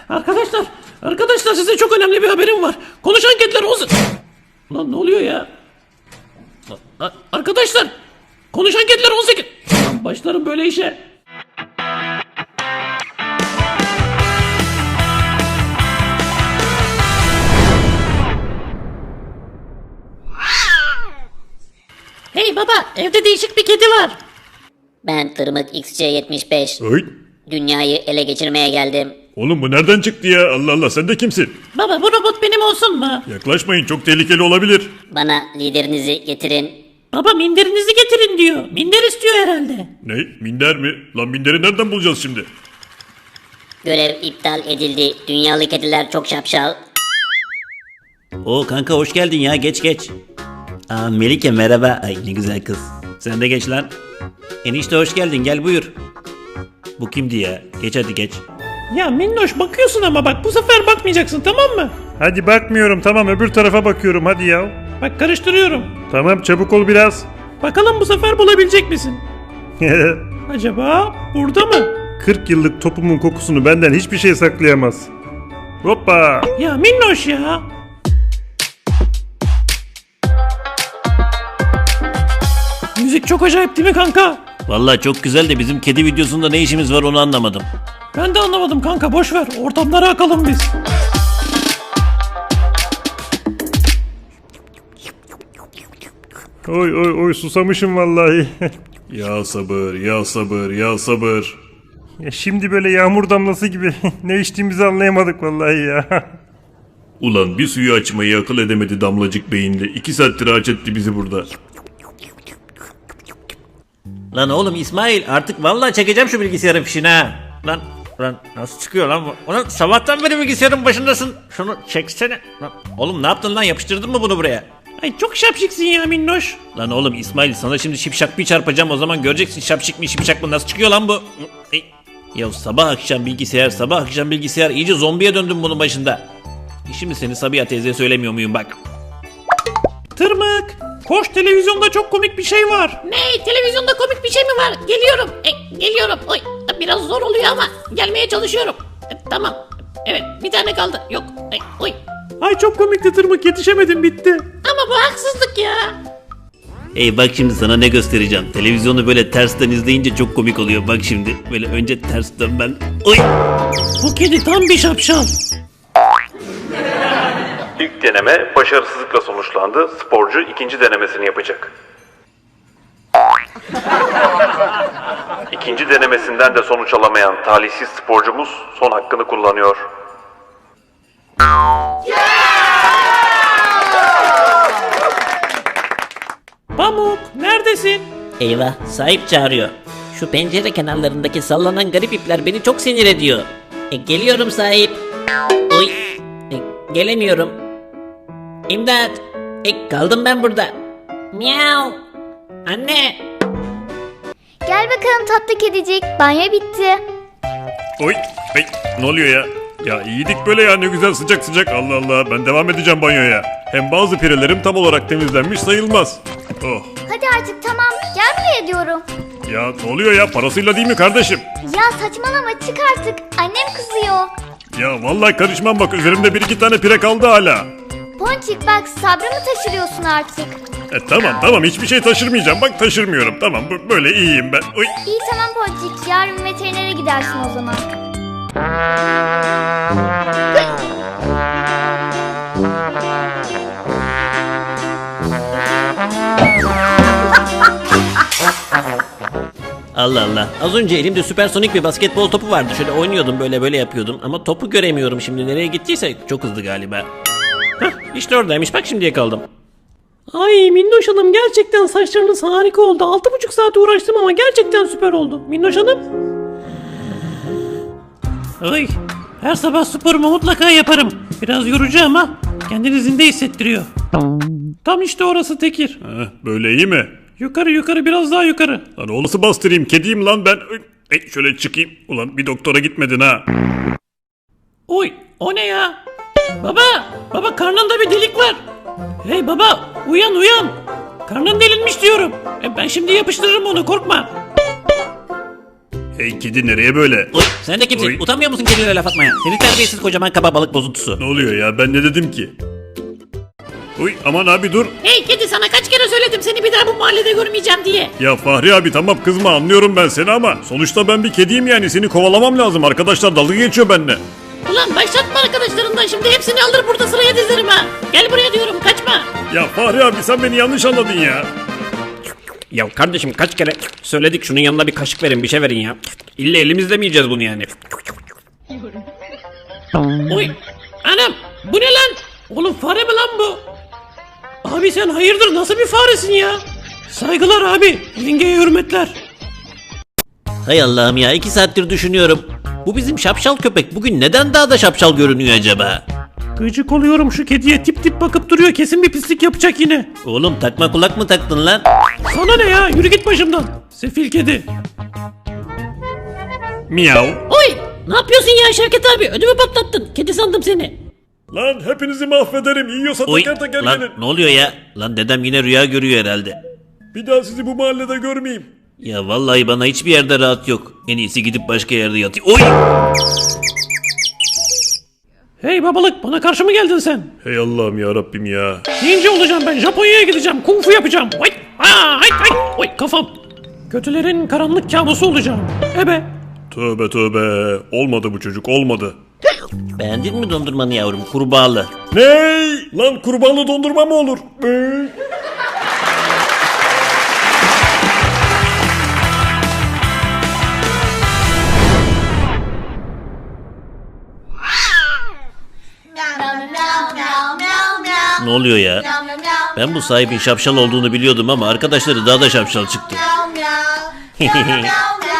Arkadaşlar size çok önemli bir haberim var. Konuşan kediler olsun. Lan ne oluyor ya? Arkadaşlar konuşan kediler 18. Lan başlarım böyle işe. Hey baba, evde değişik bir kedi var. Ben Tırmık XC75. Oy. Dünyayı ele geçirmeye geldim. Oğlum bu nereden çıktı ya? Allah Allah, sen de kimsin? Baba bu robot benim olsun mu? Yaklaşmayın, çok tehlikeli olabilir. Bana liderinizi getirin. Baba minderinizi getirin diyor. Minder istiyor herhalde. Ne? Minder mi? Lan minderi nereden bulacağız şimdi? Görev iptal edildi. Dünyalı kediler çok şapşal. Oo kanka hoş geldin ya, geç. Aa Melike merhaba. Ay ne güzel kız. Sen de geç lan. Enişte hoş geldin, gel buyur. Bu kimdi ya? Geç hadi geç. Ya Minnoş bakıyorsun ama bak bu sefer bakmayacaksın, tamam mı? Hadi bakmıyorum, tamam, öbür tarafa bakıyorum, hadi ya. Bak karıştırıyorum. Tamam, çabuk ol biraz. Bakalım bu sefer bulabilecek misin? Acaba burada mı? 40 yıllık topumun kokusunu benden hiçbir şey saklayamaz. Hoppa! Ya Minnoş ya. Müzik çok acayip değil mi kanka? Vallahi çok güzel de bizim kedi videosunda ne işimiz var onu anlamadım. Ben de anlamadım kanka, boş ver. Ortamlara akalım biz. Oy susamışım vallahi. Ya sabır, ya sabır, ya sabır. Ya şimdi böyle yağmur damlası gibi ne içtiğimizi anlayamadık vallahi ya. Ulan bir suyu açmayı akıl edemedi damlacık beyinde. 2 saattir aç etti bizi burada. Lan oğlum İsmail, artık vallahi çekeceğim şu bilgisayarın fişini ha. Lan nasıl çıkıyor lan bu? Ulan sabahtan beri bilgisayarın başındasın. Şunu çeksene. Lan, oğlum ne yaptın lan, yapıştırdın mı bunu buraya? Ay çok şapşiksin ya Minnoş. Lan oğlum İsmail, sana şimdi şipşak bir çarpacağım, o zaman göreceksin şapşik mi şipşak mı, nasıl çıkıyor lan bu? Ya sabah akşam bilgisayar iyice zombiye döndüm bunun başında. Şimdi seni Sabiha teyzeye söylemiyor muyum bak. Tırmık. Koş, televizyonda çok komik bir şey var. Ne? Televizyonda komik bir şey mi var? Geliyorum. Geliyorum. Oy, biraz zor oluyor ama gelmeye çalışıyorum. Tamam. Evet, bir tane kaldı. Yok. Oy. Ay çok komikti Tırmık, yetişemedim, bitti. Ama bu haksızlık ya. Hey bak şimdi sana ne göstereceğim. Televizyonu böyle tersten izleyince çok komik oluyor. Bak şimdi böyle önce ters dön ben. Oy! Bu kedi tam bir şapşal. İlk deneme başarısızlıkla sonuçlandı. Sporcu ikinci denemesini yapacak. İkinci denemesinden de sonuç alamayan talihsiz sporcumuz son hakkını kullanıyor. Pamuk, neredesin? Eyvah, sahip çağırıyor. Şu pencere kenarlarındaki sallanan garip ipler beni çok sinir ediyor. Geliyorum sahip. Oy. Gelemiyorum. İmdat. Kaldım ben burada. Miau. Anne. Gel bakalım tatlı kedicik. Banyo bitti. Oy, ne oluyor ya? Ya iyiydik böyle ya, ne güzel sıcak sıcak. Allah Allah, ben devam edeceğim banyoya. Hem bazı pirelerim tam olarak temizlenmiş sayılmaz. Oh. Hadi artık tamam. Gel buraya diyorum. Ya ne oluyor ya, parasıyla değil mi kardeşim? Ya saçmalama, çık artık. Annem kızıyor. Ya vallahi karışmam, bak üzerimde 1-2 tane pire kaldı hala. Ponçik bak, sabrımı taşırıyorsun artık. Tamam, hiçbir şey taşırmayacağım, bak taşırmıyorum, tamam, böyle iyiyim ben. Oy. İyi tamam Ponçik, yarın veterinere gidersin o zaman. Allah Allah. Az önce elimde süpersonik bir basketbol topu vardı. Şöyle oynuyordum, böyle yapıyordum. Ama topu göremiyorum şimdi. Nereye gittiyse çok hızlı galiba. İşte oradaymış. Bak şimdi yakaladım. Ay Minnoş Hanım, gerçekten saçlarınız harika oldu. 6,5 saat uğraştım ama gerçekten süper oldu. Minnoş Hanım. Ay, her sabah sporumu mutlaka yaparım. Biraz yorucu ama kendini zinde hissettiriyor. Tam işte orası Tekir. Böyle iyi mi? Yukarı biraz daha yukarı. Lan o nasıl bastırayım, kediyim lan ben. Şöyle çıkayım. Ulan bir doktora gitmedin ha. Oy, o ne ya? Baba karnında bir delik var. Hey baba, uyan. Karnın delinmiş diyorum. Ben şimdi yapıştırırım onu, korkma. Hey kedi nereye böyle? Oy, sen de kimsin? Oy. Utanmıyor musun kedilere laf atmaya? Seni terbiyesiz kocaman kaba balık bozuntusu. Ne oluyor ya, ben ne dedim ki? Uy aman abi dur. Hey kedi, sana kaç kere söyledim seni bir daha bu mahallede görmeyeceğim diye. Ya Fahri abi tamam kızma, anlıyorum ben seni ama sonuçta ben bir kediyim yani, seni kovalamam lazım. Arkadaşlar dalga geçiyor benimle. Ulan başlatma arkadaşlarından, şimdi hepsini alır burada sıraya dizerim ha. Gel buraya diyorum, kaçma. Ya Fahri abi sen beni yanlış anladın ya. Ya kardeşim kaç kere söyledik şunun yanına bir kaşık verin bir şey verin ya. İlle elimizle mi yiyeceğiz bunu yani? Oy anam, bu ne lan? Oğlum fare mi lan bu? Abi sen hayırdır, nasıl bir faresin ya? Saygılar abi, yengeye hürmetler. Hay Allah'ım ya 2 saattir düşünüyorum. Bu bizim şapşal köpek bugün neden daha da şapşal görünüyor acaba? Gıcık oluyorum şu kediye, tip tip bakıp duruyor, kesin bir pislik yapacak yine. Oğlum takma kulak mı taktın lan? Sana ne ya, yürü git başımdan. Sefil kedi. Miyav. Oy, ne yapıyorsun ya Şevket abi, ödümü patlattın, kedi sandım seni. Lan hepinizi mahvederim, yiyorsa Oy teker teker lan gelin. ne oluyor ya? Lan dedem yine rüya görüyor herhalde. Bir daha sizi bu mahallede görmeyeyim. Ya vallahi bana hiçbir yerde rahat yok. En iyisi gidip başka yerde yatayım. Oy! Hey babalık, bana karşı mı geldin sen? Hey Allah'ım ya Rabbim ya. Ninja olacağım ben, Japonya'ya gideceğim, kung fu yapacağım. Oy, aa, ay, ay, oy kafam. Kötülerin karanlık kabusu olacağım. Ebe. Tövbe tövbe. Olmadı bu çocuk, olmadı. Beğendin mi dondurmanı yavrum? Kurbağalı. Ney? Lan kurbanlı dondurma mı olur? Ne oluyor ya? Ben bu sahibin şapşal olduğunu biliyordum ama arkadaşları daha da şapşal çıktı.